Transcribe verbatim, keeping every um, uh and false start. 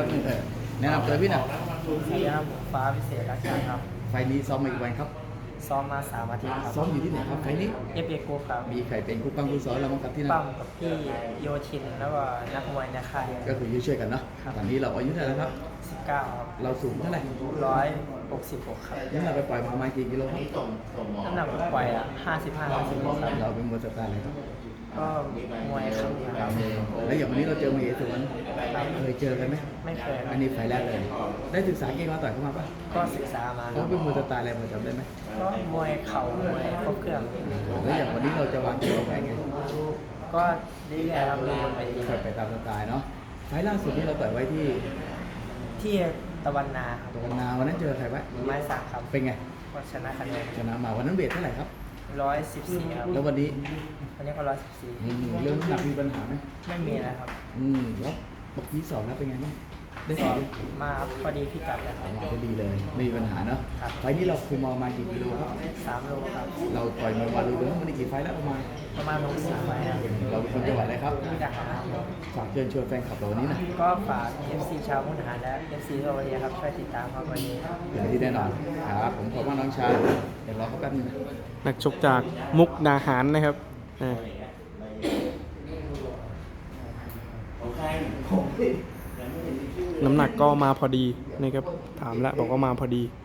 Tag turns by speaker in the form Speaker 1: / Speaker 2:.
Speaker 1: ป๊บนึงเออแนะนำตัวพี่หน่อย
Speaker 2: สวัสดีครับผมฟ้าพิเศษรักชาติครับ
Speaker 1: ไฟล์นี้ซ้อมมากี่วันครับ
Speaker 2: ซ้อมมาสามอาทิตย์ครับ
Speaker 1: ซ้อมอยู่ที่ไหนครับไฟล์นี้
Speaker 2: เอฟเอกรุ๊ปครับ
Speaker 1: มีใครเป็นคู่ปั้งคู่ซ้อมเราบ้างครับที่นั่น
Speaker 2: ปั้มกับพี่โยชินแล้วก็นักมวยในค่าย
Speaker 1: ก็คือช่วยๆกันเนาะ
Speaker 2: ครับ
Speaker 1: ตอนนี้เราอายุเท่าไหร่แล้วครับ
Speaker 2: สิบเก้าครับ
Speaker 1: เราสูงเท่าไหร่
Speaker 2: ร้อยหกสิบหกครับ
Speaker 1: น้ำหนักไปปล่อยมาประมาณกี่กิโลครับ
Speaker 2: น้ำหนักปล่อยอ่ะห้าสิบห้าห้าสิบหกครับ
Speaker 1: เราเป็นมวยสไตล์อะไรครับ
Speaker 2: ก็มวยครับครับ
Speaker 1: แล้วอย่างวันนี้เราเจอมาเอสวนเคยเจอกันไหม
Speaker 2: ไม่เคยค
Speaker 1: อั
Speaker 2: รับ
Speaker 1: นนี้ไฟล์แรกเลย ได้ศึกษาเก่งมาต่อยเข้ามาปะ
Speaker 2: ก็ศึกษามาค
Speaker 1: เขา
Speaker 2: รับ
Speaker 1: เป็นมวยสไตล์อะไรพอจำได้ไหม
Speaker 2: ก็มวยเข่ามวยครบเครื่อง
Speaker 1: แล้วอย่างวันนี้เราจะวางเกมวางแผนไง
Speaker 2: ก็เรื่อยๆครับดูบนเวที
Speaker 1: ค่อยไปตามสไตล์เนาะไฟล์ล่าสุดที่เราต่อยไว้ที่
Speaker 2: ที่ตะวันนาครับ
Speaker 1: ตรงนาวันนั้นเจอใครไว้
Speaker 2: ไม้สักครับ
Speaker 1: เป็นไง
Speaker 2: ก็ชนะคะแนน
Speaker 1: ชนะมาวันนั้นเวทเท่าไหร่ครับ
Speaker 2: ร้อยสิบสี่ครับ
Speaker 1: แล้ววันนี้
Speaker 2: วันนี้ก็ร้อยสิบสี่
Speaker 1: อืมเรื่องน้ำหนักมีปัญหาไหม
Speaker 2: ไม่มีนะครับ
Speaker 1: อืมแล้วปกติสอบแล้วเป็นไงบ้างได้
Speaker 2: ก็
Speaker 1: สอบ
Speaker 2: มาพอดีพิกัดเลยค
Speaker 1: อ
Speaker 2: รั
Speaker 1: อบ กมาก็ดีเลยไม่มีปัญหาเนาะ
Speaker 2: ครับ
Speaker 1: ไฟล์นี้เราคุมเอามากี่กิโลครับ
Speaker 2: สามโลครับ
Speaker 1: เราต่อยมวยมาดูเรื่องวันนี้กี่ไฟล์แล้วประมาณ
Speaker 2: ประมาณหกสิบไปครับ
Speaker 1: เราเป็นคนจังหวัดอะไรครับ
Speaker 2: มุกดาหารครับ
Speaker 1: ฝากเชิญชวนแฟนคลับเราวันนี้นะ
Speaker 2: ก็ฝาก เอฟ ซี ชาวมุกดาหารและ เอฟ ซี ทั่วประเทศครับช่วยติดตามครับวันนี้
Speaker 1: อย่างที่แน่นอนครับผมขอบคุณน้องชายเดี๋ยวรอเขาแป๊บนึงนะ
Speaker 3: นักชกจากมุกดาหารนะครับอ่าน้ำหนักก็มาพอดีนะครับ ถามแล้วบอกว่ามาพอดี